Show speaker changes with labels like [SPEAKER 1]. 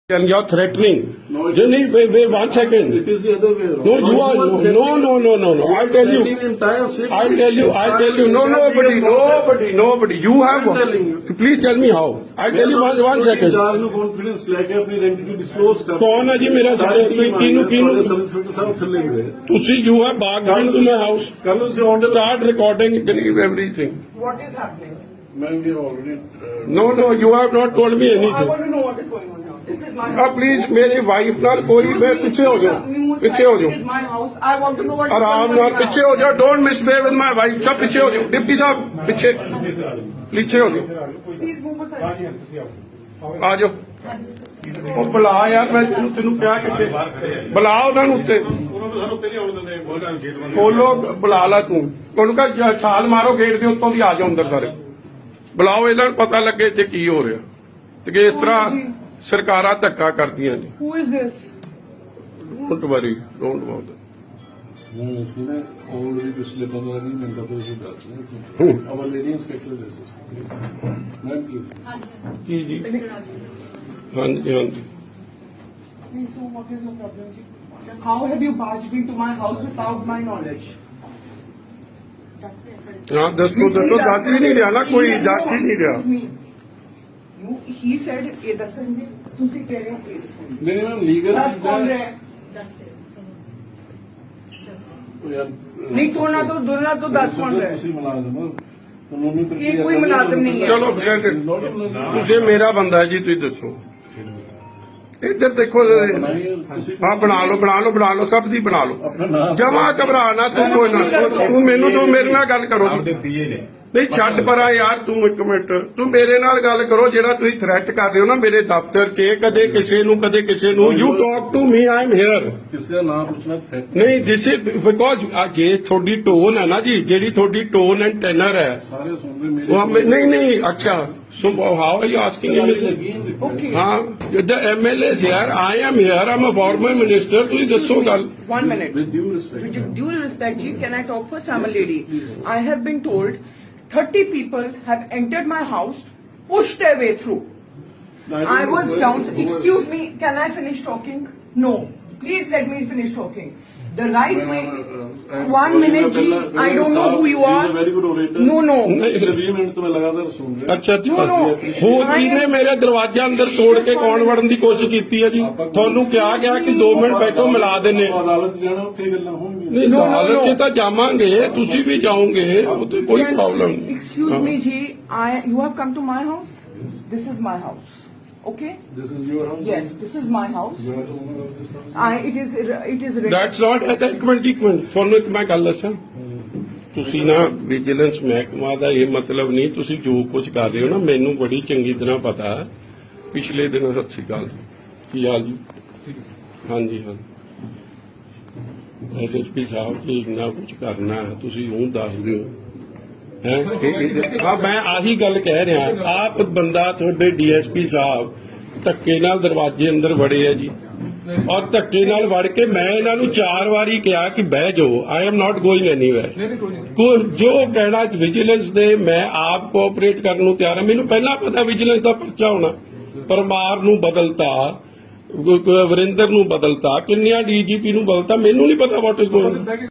[SPEAKER 1] And you're threatening.
[SPEAKER 2] No, it
[SPEAKER 1] Jenny, wait, 1 second.
[SPEAKER 2] It is the other way around.
[SPEAKER 1] No, you are no. I'll tell you.
[SPEAKER 2] The entire city.
[SPEAKER 1] I'll tell you. No, nobody. You have.
[SPEAKER 2] I'm telling you.
[SPEAKER 1] Please tell me how. I'll tell you one second.
[SPEAKER 2] ਚਾਰ ਨੂੰ confidence ਲੈ ਕੇ ਆਪਣੀ ਆਇਡੈਂਟੀ disclose ਕਰ।
[SPEAKER 1] ਕੌਣ ਹੈ ਜੀ ਮੇਰਾ ਸਾਰੇ ਕਿਹਨੂੰ
[SPEAKER 2] ਸਬ ਇੰਸਪੈਕਟਰ ਸਾਹਿਬ ਥੱਲੇ ਗਏ।
[SPEAKER 1] ਤੁਸੀਂ you have barged into my house.
[SPEAKER 2] ਕੱਲ ਨੂੰ ਸੇ ਔਨ
[SPEAKER 1] Start recording everything.
[SPEAKER 3] What is happening?
[SPEAKER 2] ਮੈਂ ਵੀ already
[SPEAKER 1] No, you have not told me
[SPEAKER 3] I
[SPEAKER 1] anything.
[SPEAKER 3] want to know what is going on now. This is my house.
[SPEAKER 1] Please मेरी wife ਨਾਲ ਕੋਈ मैं पीछे हो जाओ. पीछे हो
[SPEAKER 3] This
[SPEAKER 1] जाओ.
[SPEAKER 3] is my house. I want to know what is
[SPEAKER 1] आराम
[SPEAKER 3] going on.
[SPEAKER 1] ਨਾਲ ਪਿੱਛੇ ਹੋ ਜਾਓ. Don't misbehave with my wife. सब पीछे हो जाओ. डिप्टी साहब पीछे हो जाओ.
[SPEAKER 3] Please move aside.
[SPEAKER 1] ਆ ਜਾਓ. ਉਹ ਬੁਲਾ ਯਾਰ ਮੈਂ ਤੈਨੂੰ ਕਿਹਾ ਕਿੱਥੇ ਬੁਲਾ ਉਹਨਾਂ ਨੂੰ ਉੱਤੇ ਖੋਲੋ ਬੁਲਾ ਲਾ ਤੂੰ ਉਹਨੂੰ ਕਹ ਛਾਲ ਮਾਰੋ ਗੇਟ ਦੇ ਉੱਤੋਂ ਦੀ ਆ ਜਾਓ ਅੰਦਰ ਸਾਰੇ ਬੁਲਾਓ ਇਹਨਾਂ ਨੂੰ ਪਤਾ ਲੱਗੇ ਇੱਥੇ ਕੀ ਹੋ ਰਿਹਾ ਤੇ ਕਿ ਇਸ ਤਰ੍ਹਾਂ ਸਰਕਾਰਾਂ ਧੱਕਾ ਕਰਦੀਆਂ ਨੇ
[SPEAKER 3] Who is this?
[SPEAKER 1] Don't worry don't about
[SPEAKER 2] ਨਹੀਂ ਸੀ ਨਾ ਆਲਰੇਡੀ ਪਿਛਲੇ 15 ਦਿਨ ਦਾ ਤੁਸੀਂ ਦੱਸ ਰਹੇ ਹੋ our lady inspector this ma'am please
[SPEAKER 1] ਕੀ ਜੀ ਹਾਂਜੀ
[SPEAKER 3] Please, so what is your problem? ji? How have you barged into my house without my knowledge?
[SPEAKER 1] ਹਾਂ ਦੱਸੋ ਦੱਸ ਹੀ ਨਹੀਂ ਰਿਹਾ ਨਾ ਕੋਈ ਦੱਸ ਹੀ ਨਹੀਂ ਰਿਹਾ
[SPEAKER 3] Excuse me. He said, ਇਹ ਦੱਸਣਗੇ ਤੁਸੀਂ ਕਹਿ ਰਹੇ ਹੋ ਇਹ ਦੱਸਣਗੇ
[SPEAKER 2] ਨਹੀਂ ਮੈਮ ਲੀਗਲ
[SPEAKER 3] ਦੱਸ ਕੌਣ ਰਿਹਾ ਹੈ? ਨਹੀਂ ਥੋੜਾ ਤੋਂ ਦੁਰਨਾ ਤੋਂ ਦੱਸ ਕੌਣ ਰਿਹਾ ਹੈ?
[SPEAKER 2] ਤੁਸੀਂ ਮੁਲਾਜ਼ਮ ਹੋ ਕਾਨੂੰਨੀ
[SPEAKER 3] ਇਹ ਕੋਈ ਮੁਲਾਜ਼ਮ ਨਹੀਂ ਹੈ।
[SPEAKER 1] ਚਲੋ ਤੁਸੀਂ ਮੇਰਾ ਬੰਦਾ ਹੈ ਜੀ ਤੁਸੀਂ ਦੱਸੋ ਇੱਧਰ ਦੇਖੋ ਹਾਂ ਬਣਾ ਲਓ ਸਭ ਦੀ ਬਣਾ ਲਓ ਜਮਾ ਘਬਰਾ ਨਾ ਤੂੰ ਕੋਈ ਨਾ ਤੂੰ ਮੈਨੂੰ ਤੂੰ ਮੇਰੇ ਨਾਲ ਗੱਲ ਕਰੋ ਨਹੀਂ ਛੱਡ ਪਰਾਂ ਯਾਰ ਤੂੰ ਇੱਕ ਮਿੰਟ ਤੂੰ ਮੇਰੇ ਨਾਲ ਗੱਲ ਕਰੋ ਜਿਹੜਾ ਤੁਸੀਂ ਥ੍ਰੈਟ ਕਰ ਰਹੇ ਹੋ ਨਾ ਮੇਰੇ ਦਫ਼ਤਰ 'ਚ ਕਦੇ ਕਿਸੇ ਨੂੰ you talk to me I am here
[SPEAKER 2] ਕਿਸੇ ਦਾ ਨਾਮ ਪੁੱਛਣਾ ਥ੍ਰੈਟ
[SPEAKER 1] ਨਹੀਂ ਦਿਸ ਇਜ਼ ਬਿਕੋਜ਼ ਜੇ ਤੁਹਾਡੀ ਟੋਨ ਹੈ ਨਾ ਜੀ ਜਿਹੜੀ ਤੁਹਾਡੀ ਟੋਨ ਐਂਡ ਟੈਨਰ ਹੈ
[SPEAKER 2] ਸਾਰੇ ਸੁਣਦੇ ਮੇਰੇ
[SPEAKER 1] ਨਹੀਂ ਅੱਛਾ so how are you asking him
[SPEAKER 3] Okay.
[SPEAKER 1] ਹਾਂ the MLA is here I am here I'm a former minister ਤੁਸੀਂ ਦੱਸੋ ਗੱਲ
[SPEAKER 3] 1 minute.
[SPEAKER 2] with due respect
[SPEAKER 3] With due respect, ji, can I talk first? I'm a lady. I have been told 30 people have entered my house, pushed their way through. I was down. Excuse me, can I finish talking? No. Please let me finish talking. The right way. 1 minute, ji. I don't know who you are.
[SPEAKER 2] very good orator
[SPEAKER 3] No.
[SPEAKER 2] ਪਿਛਲੇ 20 minute ਤੋਂ ਮੈਂ ਲਗਾਤਾਰ ਸੁਣ ਰਿਹਾ
[SPEAKER 1] ਅੱਛਾ
[SPEAKER 3] No.
[SPEAKER 1] ਹੋਰ ਕਿਹਨੇ ਮੇਰੇ ਦਰਵਾਜ਼ੇ ਅੰਦਰ ਤੋੜ ਕੇ ਕੌਣ ਵੜਨ ਦੀ ਕੋਸ਼ਿਸ਼ ਕੀਤੀ ਹੈ ਜੀ ਤੁਹਾਨੂੰ ਕਿਹਾ ਗਿਆ ਕਿ 2 ਮਿੰਟ ਬੈਠੋ ਮਿਲਾ ਦਿੰਨੇ
[SPEAKER 2] ਅਦਾਲਤ ਜਾਣਾ ਉੱਥੇ ਗੱਲਾਂ ਹੋਣਗੀਆਂ
[SPEAKER 1] ਨਹੀਂ ਅਦਾਲਤ 'ਚ ਤਾਂ ਜਾਵਾਂਗੇ ਤੁਸੀਂ ਵੀ ਜਾਓਗੇ ਉਹ ਤੇ ਕੋਈ ਪ੍ਰੋਬਲਮ ਨਹੀਂ
[SPEAKER 3] Excuse me, ji. You have come to my house. This is my house. Okay.
[SPEAKER 2] this is your house
[SPEAKER 3] Yes, this is my house.
[SPEAKER 2] you are the owner of this house
[SPEAKER 3] It is.
[SPEAKER 1] That's not ਇੱਕ minute ਤੁਹਾਨੂੰ ਇੱਕ ਮੈਂ ਗੱਲ ਦੱਸਾਂ ਤੁਸੀਂ ਨਾ vigilance ਮਹਿਕਮਾ ਦਾ ਇਹ ਮਤਲਬ ਨਹੀਂ ਤੁਸੀਂ ਜੋ ਕੁਝ ਕਰ ਰਹੇ ਹੋ ਨਾ ਮੈਨੂੰ ਬੜੀ ਚੰਗੀ ਤਰ੍ਹਾਂ ਪਤਾ ਹੈ ਪਿਛਲੇ ਦਿਨ ਸਤਿ ਸ਼੍ਰੀ ਅਕਾਲ ਕੀ ਹਾਲ ਜੀ ਹਾਂਜੀ ਐਸਐਸਪੀ ਸਾਹਿਬ ਜੀ ਇੰਨਾ ਕੁਝ ਕਰਨਾ ਹੈ ਤੁਸੀਂ ਉਹ ਦੱਸ ਦਿਓ ਹਾਂ ਮੈਂ ਆਹੀ ਗੱਲ ਕਹਿ ਰਿਹਾ ਆਪ ਬੰਦਾ ਤੁਹਾਡੇ ਡੀਐਸਪੀ ਸਾਹਿਬ ਧੱਕੇ ਨਾਲ ਦਰਵਾਜ਼ੇ ਅੰਦਰ ਵੜੇ ਆ ਜੀ ਔਰ ਧੱਕੇ ਨਾਲ ਵੜ ਕੇ ਮੈਂ ਇਹਨਾਂ ਨੂੰ 4 ਵਾਰੀ ਕਿਹਾ ਕਿ ਬਹਿ ਜਾਓ I am not going anywhere ਜੋ ਕਹਿਣਾ ਵਿਜੀਲੈਂਸ ਦੇ ਮੈਂ ਆਪ ਕੋਆਪਰੇਟ ਕਰਨ ਨੂੰ ਤਿਆਰ ਹਾਂ ਮੈਨੂੰ ਪਹਿਲਾਂ ਪਤਾ ਵਿਜੀਲੈਂਸ ਦਾ ਪਰਚਾ ਹੋਣਾ ਪਰਮਾਰ ਨੂੰ ਬਦਲਤਾ ਵਰਿੰਦਰ ਨੂੰ ਬਦਲਤਾ ਕਿੰਨਿਆਂ ਡੀਜੀਪੀ ਨੂੰ ਬਦਲਤਾ ਮੈਨੂੰ ਨਹੀਂ ਪਤਾ ਵਾਟ ਇਜ਼ ਗੋਇੰਗ